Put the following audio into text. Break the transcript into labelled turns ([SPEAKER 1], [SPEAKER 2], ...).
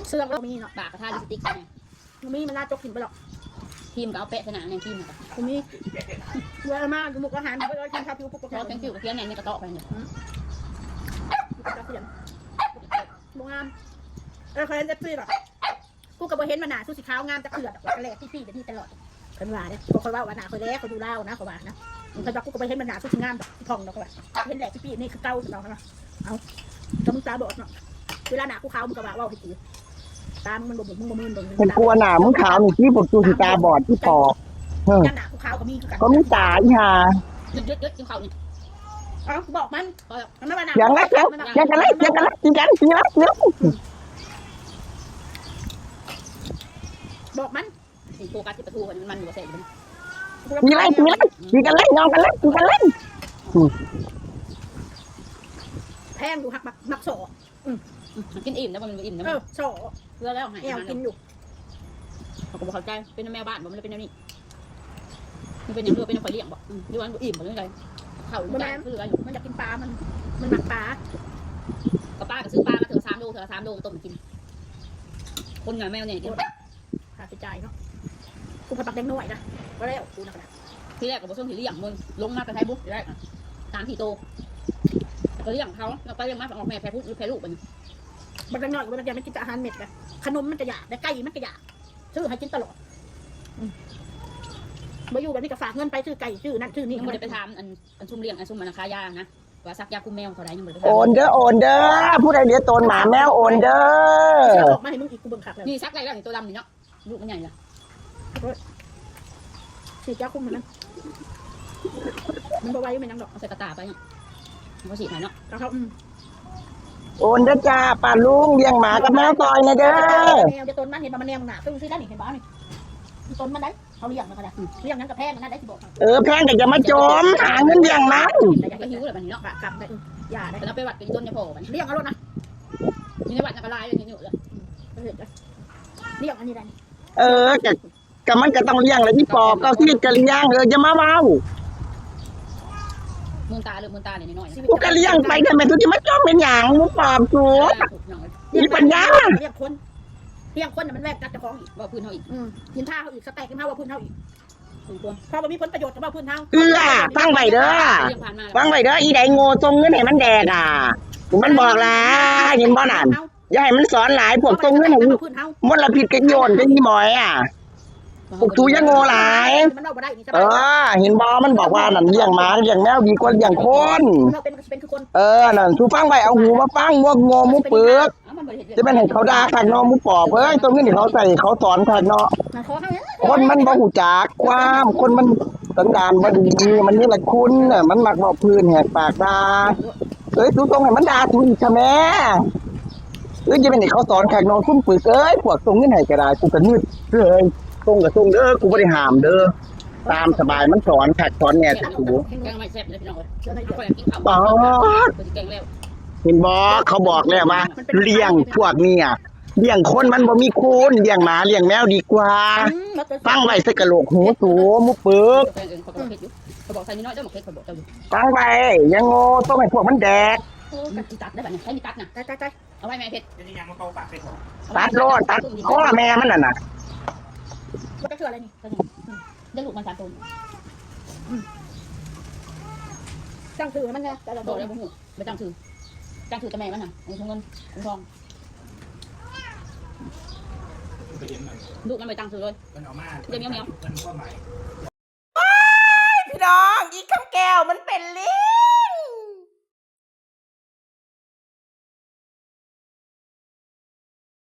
[SPEAKER 1] เสื้อก็มีเนาะ
[SPEAKER 2] ปากกระทาลิปสติกเนี่ย
[SPEAKER 1] มีมันน่าจกกินไปหรอก
[SPEAKER 2] ทีมก็เอาเป๊ะขนาดในทีมเนี่ย
[SPEAKER 1] มีเวลามากมุกอาหารไปเลยกินข้าวผิวปุ๊บก็
[SPEAKER 2] เราเป็นคิวกับเพี้ยนในกระเตาะไปเนี่ย
[SPEAKER 1] จะเสียงบงามเคยเห็นเอฟซีหรอกูกับเห็นมันหนาสู้สีขาวงามจะเกลือดแหลกพี่แบบนี้ตลอดคนว่าเนี่ยคนว่าหนาคนแรกคนดูเล่านะเขาว่านะมันจะกูกับเห็นมันหนาสู้สีงามแบบทองเนาะเขาว่าเห็นแหลกพี่นี่คือเก้าเนาะเอาจมึงตาบอดเนาะเวลาหนากูขาวมึงก็ว่าให้กูตามมันบ่มึงบ่มึนบ่
[SPEAKER 3] ผมกลัวหนามึงขาวนี่ที่ผมดูสีตาบอดที่ปอก
[SPEAKER 1] ยันหนากูขาวก็มีคือกัน
[SPEAKER 3] ก็มีตาอีห่า
[SPEAKER 2] ยึดกินเขาเนี่ย
[SPEAKER 1] อ๋อบอกมันไม่ว่าหนา
[SPEAKER 3] อย่างไรอย่างกันเลยอย่างกันเลยกินกันกินแล้วเนาะ
[SPEAKER 1] บอกมัน
[SPEAKER 2] โฟกัสที่ประตูมันอยู่กับเศษมัน
[SPEAKER 3] กินไรกินไรกินกันเลยนอนกันเลยกินกันเลย
[SPEAKER 1] แพงดูหักมักโซ่
[SPEAKER 2] กินอิ่มนะมันอิ่มนะ
[SPEAKER 1] โซ่
[SPEAKER 2] เพื่อแล้วหาย
[SPEAKER 1] แอวกินอยู่
[SPEAKER 2] เขาก็บอกเข้าใจเป็นแม่บ้านบอกมันเป็นแนวนี้มันเป็นอย่างเรือเป็นข่อยเลี้ยงบอกดูวันอิ่มบอกเรื่องอะไรเขาใจคืออะไรอยู่
[SPEAKER 1] มันอยากกินปลามันหมักปลา
[SPEAKER 2] กับป้าก็ซื้อปลามาเถอะ3 โลต้มกินคนงานแมวเนี่ยกิน
[SPEAKER 1] ค่าใช้จ่ายเนาะกูผัดปักแดงน้อยนะก็แล้วกูนะ
[SPEAKER 2] ที่แรกกับผสมที่เลี้ยงมึงลงมากระไทบุ๊กได้ตามที่โตก็เลี้ยงเขาแล้วก็เลี้ยงมาออกแม่แพ้พุทธแพ้ลูกมัน
[SPEAKER 1] บักแดงน้อยกูมันยังไม่กินแต่อาหารเม็ดนะขนมมันกระยาแต่ไก่มันกระยาซื้อให้กินตลอดมาอยู่แบบนี้ก็ฝากเงินไปซื้อไก่ซื้อนั่นซื้อนี่
[SPEAKER 2] ยังไม่ได้ไปทำอันซุ่มเลี้ยงอันซุ่มมันคายานะว่าซักยาคุมแมวเท่าไรยังไม่ได้ไป
[SPEAKER 3] โอนเด้อโอนเด้อผู้ใดเลี้ยงตนหมาแมวโอนเด้อ
[SPEAKER 1] ออกมาให้มึงอีกกูเบิ่งขับเลย
[SPEAKER 2] นี่ซักไรแล้วนี่ตัวดำนี่เนาะลูกมันใหญ่ละ
[SPEAKER 1] ฉีดยาคุมมันนะมันบ่ไว้ไม่ยังดอก
[SPEAKER 2] เอาใส่กระตาไปเนี่ยมันก็ฉีดหายเนาะ
[SPEAKER 1] แล้วเขา
[SPEAKER 3] โอนเด้อจ้าป้าลุงเลี้ยงหมากับแมวซอยนะเด้อ
[SPEAKER 1] แนวจะต้นมันเห็นมันแนวหนาซื้อได้นี่เห็นบ้านี่ต้นมันได้เขาเลี้ยงมันก็ได้เลี้ยงนั้นกับแพงมันได้ที่บอก
[SPEAKER 3] แพงแต่จะมาจมหาเงินเลี้ยงมัน
[SPEAKER 2] ก็หิวเลยมันเนาะ
[SPEAKER 1] กลับได้อย่าได้
[SPEAKER 2] แต่เราไปวัดกันต้นยาโผล่มัน
[SPEAKER 1] เลี้ยงเอารถนะ
[SPEAKER 2] มีในวัดนักลายเลยนี่อยู่เลย
[SPEAKER 1] เลี้ยงอันนี้ได้
[SPEAKER 3] กับมันก็ต้องเลี้ยงเลยที่ปอกก็ที่กะเลี้ยงจะมาเว้า
[SPEAKER 2] มือตาเลยมือตาเนี่ยน้อย
[SPEAKER 3] กูก็เลี้ยงไปแต่แม่ทุกที่มาจมเป็นหยังมึงปอบกูมีปัญญา
[SPEAKER 1] เลี้ยงคนมันแวกกัดเจ้าของอีก
[SPEAKER 2] ว่าพื้นเขาอีก
[SPEAKER 1] กินท่าเขาอีกสแต็กกินท่าว่าพื้นเขาอีกเพราะว่ามีผลประโยชน์กับว่าพื้นเขา
[SPEAKER 3] ฟังไว้เด้อฟังไว้เด้ออีไดโง่ทรงเงินให้มันแดกมันบอกแล้วเห็นบ่นั่นอย่าให้มันสอนหลายพวกทรงเงินให้มลพิษกันโยนกันยี่หมอยพวกตูยังโง่หลายเห็นบ่มันบอกว่านั่นเลี้ยงหมาเลี้ยงแมวดีกว่าเลี้ยงคนนั่นทูฟังไว้เอาหูมาฟังพวกโง่มุกเปลือกจะเป็นให้เขาด่าขัดนอมุกปอบตรงนี้เขาใส่เขาสอนขัดนอคนมันบ่หูจักความคนมันสันดานบ่ดีมันนี่แหละคุณมันมักบอกพื้นแหกปากด่าตูตรงให้มันด่าตูอีกใช่ไหมจะเป็นให้เขาสอนขัดนอซุ่มปึกพวกตรงนี้ไหนก็ได้กูก็นืดเลยตรงกับตรงเด้อกูไม่ได้ห้ามเด้อตามสบายมันสอนขัดสอนแง่ถูก
[SPEAKER 2] แกงไม่แซ่บเลยพี่น้องเอาไปกินข้าว
[SPEAKER 3] อ๋อ
[SPEAKER 2] แกงแล้ว
[SPEAKER 3] เห็นบ่เขาบอกแล้วว่าเลี้ยงพวกนี้เลี้ยงคนมันบ่มีคุณเลี้ยงหมาเลี้ยงแมวดีกว่าฟังไว้ใส่กะโหลกหูสูมุปึก
[SPEAKER 2] แกงเองเขาบอกเผ็ดอยู่เขาบอกใส่นิดน้อยเจ้าหมกเผ็ดเขาบอกเจ้าอยู่
[SPEAKER 3] ฟังไว้ยังโง่ต้องให้พวกมันแดก
[SPEAKER 2] มีตัดได้แบบนี้ใช้มีตัดนะ
[SPEAKER 1] ใกล้
[SPEAKER 2] เอาไว้แม่เผ็ด
[SPEAKER 3] ตัดโลดตัดข้อแม่มันน่ะ
[SPEAKER 1] ว่าจะเชื่ออะไรนี่
[SPEAKER 2] ได้ลูกมัน3 ตัว
[SPEAKER 1] จังถือมันไงแต่เรา
[SPEAKER 2] โดดแล้วบุ้งไม่ตั้งถือแต่แม่มันน่ะในถุงเงินถุงทองลูกมันไม่ตั้งถือเลยเดี๋ยวเมียว
[SPEAKER 4] พี่น้องอีกคำแก้วมันเป็นลิ้